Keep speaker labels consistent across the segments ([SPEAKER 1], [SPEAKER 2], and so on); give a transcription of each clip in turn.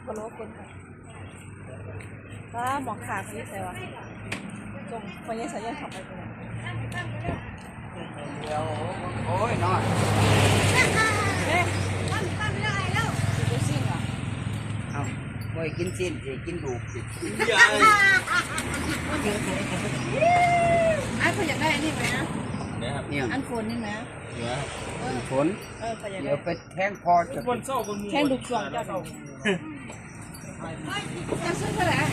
[SPEAKER 1] พะโล้คนถ้าหมอกขาซีใส่วะจงไปยังใส่ยังขับไปเลย
[SPEAKER 2] เดี๋ยวโอ้ยน้อย
[SPEAKER 1] เฮ้ยตั้งไม่ได้แล้วกินซิ่งเหรอ
[SPEAKER 2] เอาไม่กินสิ้นสิกินดูสิ
[SPEAKER 1] อันคนอยากได้นี่ไหมนะ
[SPEAKER 2] เนี่ย
[SPEAKER 1] อันโคนนี่ไหม
[SPEAKER 2] ฝนเดี๋ยวไปแทงคอจะ
[SPEAKER 1] แค่ดูช่วงเจ้าจะซื้อเท่าไหร่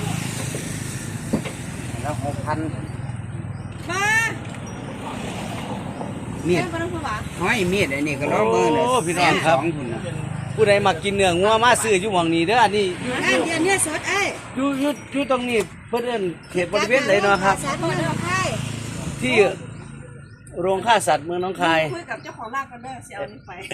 [SPEAKER 2] แล้ว6,000
[SPEAKER 1] มา
[SPEAKER 2] มีดห้อยมีดไอ้นี่ก็ล้อมือเลย
[SPEAKER 3] พี่น้องครับผู้ใดมากินเนื้องัวมาซื้ออยู่หม่องนี้เด้ออันนี้
[SPEAKER 1] เนี่ยสดไอ้
[SPEAKER 3] อยู่ตรงนี้เพิ่นเอิ้นเขตบริเวณไหนเนาะครับที่โรงฆ่าสัตว์เมืองหนองคาย
[SPEAKER 1] คุยกับเจ้าของร้านกันเด้อเสียเอานี่ไป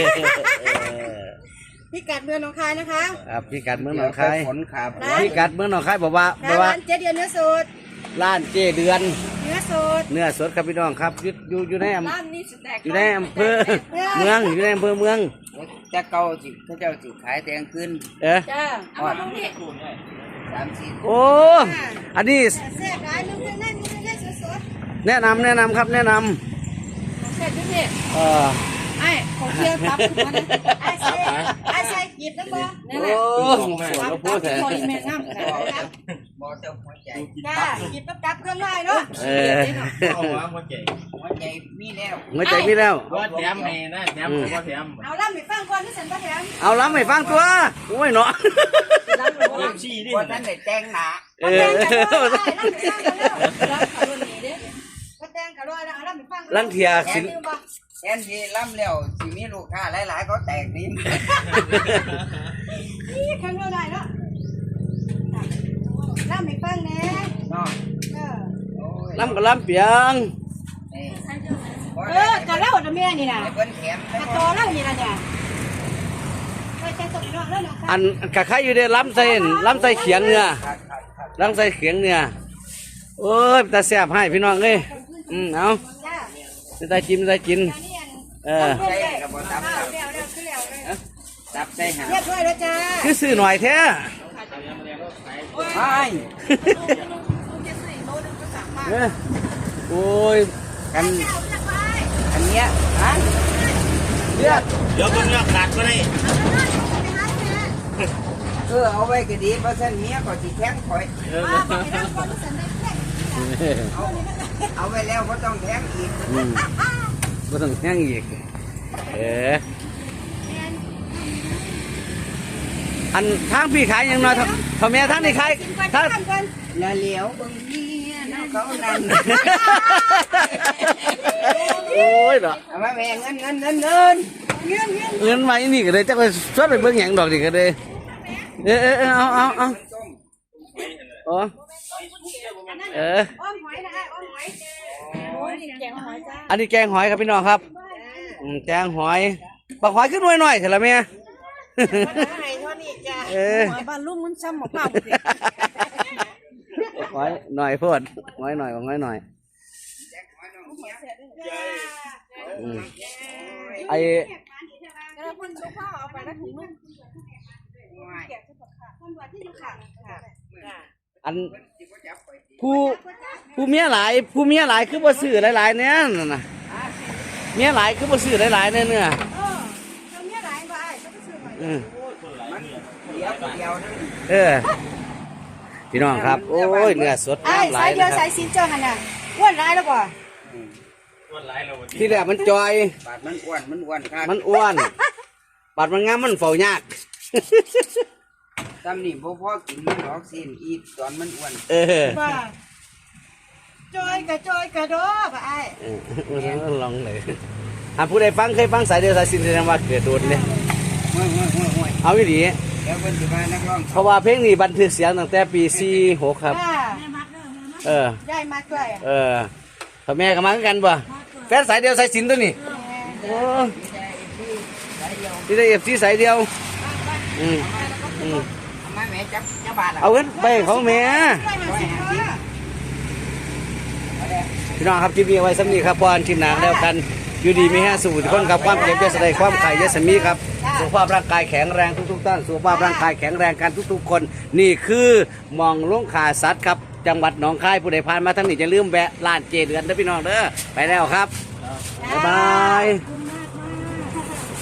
[SPEAKER 1] พี่กัดเมืองหนองคายนะคะ
[SPEAKER 3] ครับพี่กัดเมืองหนองคาย
[SPEAKER 2] ฝนขาบ
[SPEAKER 3] พี่กัดเมืองหนองคายบอกว่า
[SPEAKER 1] ร้านเจเดือนเนื้อสด
[SPEAKER 3] ร้านเจเดือน
[SPEAKER 1] เนื้อสด
[SPEAKER 3] ครับพี่น้องครับอยู่ใน
[SPEAKER 1] ร้านนี้สุดแตก
[SPEAKER 3] อยู่ในอำเภอเมืองอยู่ในอำเภอเมือง
[SPEAKER 2] จะเก่าสิเขาเจ้าสิขายแตงขึ้น
[SPEAKER 1] จ้าเอามาตรงนี้
[SPEAKER 3] โอ้อันนี้
[SPEAKER 1] แซ่บหลายนึงได้สด
[SPEAKER 3] แนะนำครับแนะน
[SPEAKER 1] ำแซ่บด้วยนี่ไอ้ของเที่ยวครับไอ้ใส่หยิบได้บ่นี่แหละ
[SPEAKER 3] โอ้เราพูดแทน
[SPEAKER 1] พออีเมลน้ำครับ
[SPEAKER 2] บ่เจ้าหัวใจ
[SPEAKER 1] จ้าหยิบกับเครื่องได้เนาะ
[SPEAKER 2] หัวใจมีแล้ว
[SPEAKER 3] ว่า
[SPEAKER 4] แถมให้นะแถมว่าแถม
[SPEAKER 1] เอาล่ำไปฟังก่อนที่ฉันก็แถม
[SPEAKER 3] เอาล้ำให้ฟังตัวโอ้ยเนาะ
[SPEAKER 2] ว่าท่านได้แจ้งหนา
[SPEAKER 3] ลังเทียสิน
[SPEAKER 2] แทนที่ล้ำแล้วสิมีลูกค้าหลายๆเขาแตกดิน
[SPEAKER 1] นี่ข้างนอกได้เนาะล่ำไปฟังแน่
[SPEAKER 2] เนาะ
[SPEAKER 3] ล้ำกับล้ำเปียง
[SPEAKER 1] จะเล่าจะแม่นี่นะจะโตเล่านี่นะเนี่ย
[SPEAKER 3] อันกะไข่อยู่ในล้ำใส่เขียงเนื้อล้ำใส่เขียงเนื้อโอ้ยตาแซ่บให้พี่น้องเลยเอาได้กิน
[SPEAKER 2] ตับใส่หา
[SPEAKER 1] เรียบร้อยแล้วจ้า
[SPEAKER 3] คือซื้อหน่อยแท้
[SPEAKER 2] ใช่
[SPEAKER 3] โอ้ยกัน
[SPEAKER 2] เนี้ยฮะ
[SPEAKER 3] เดี๋
[SPEAKER 4] ยวคนนี้ขาดก็ได้
[SPEAKER 2] เอาไว้ก็ดีเพราะฉันเมียก็สิแทงคอยเอาไว้แล้วก็ต้องแทงอีก
[SPEAKER 3] ก็ต้องแทงอีกอันทางพี่ขายยังน้อยทำไมทางนี้ขายทาง
[SPEAKER 2] ละเหลียวบางทีน้องเขานั่น
[SPEAKER 3] โอ้ยเหรอ
[SPEAKER 2] เอามาแบ่งเงิน
[SPEAKER 3] มาอีนี่ก็เลยจะไปชดไปเบิ่งหยังดอกนี่ก็เลยเอาอ๋ออันนี้แกงหอยครับพี่น้องครับแกงหอยปักหอยขึ้นหน่อยเถอะละเมีย
[SPEAKER 1] บ้านลุงมันซ้ำหมอกเปล่า
[SPEAKER 3] หอยหน่อยพูดหอยหน่อยไออันผู้เมียหลายคือบ่ซื้อหลายๆเนี่ยน่ะเมียหลายคือบ่ซื้อหลายๆเนี่ยพี่น้องครับโอ้ยเนื้อสด
[SPEAKER 1] สายเดียวสายสินเจ้ากันน่ะอ้วนร้ายแล้วกว่า
[SPEAKER 3] ที่แรกมันจอย
[SPEAKER 2] บาดมันอ้วนครับ
[SPEAKER 3] มันอ้วนบาดมันงามมันเฝ้ายาก
[SPEAKER 2] ตำนี่พ่อกินมันหลอกซีนอีตอนมันอ้วน
[SPEAKER 1] จอยกระโดดไป
[SPEAKER 3] ลองเลยผู้ใดฟังเคยฟังสายเดียวสายสินแสดงว่าเกิดโดนเลยเอาวิธีเพราะว่าเพลงนี้บันทึกเสียงตั้งแต่ปี46ครับ
[SPEAKER 1] ได้มาด้วย
[SPEAKER 3] พ่อแม่ก็มากันป่ะแฟนสายเดียวสายสินตัวนี้ที่ได้FCสายเดียวเอาเงินไปของแม่พี่น้องครับคลิปนี้ไว้สำนีครับพรคลิปหนังแล้วกันอยู่ดีมีแห้งสูทุกคนครับความเจ็บจะแสดงความไข่ยะสมีครับสุขภาพร่างกายแข็งแรงทุกๆท่านสุขภาพร่างกายแข็งแรงกันทุกๆคนนี่คือหมองลงขาสัตว์ครับจังหวัดหนองคายผู้ใดผ่านมาทางนี้จะลืมแวะร้านเจเดือนนะพี่น้องเด้อไปแล้วครับบ๊ายบาย
[SPEAKER 1] คุณ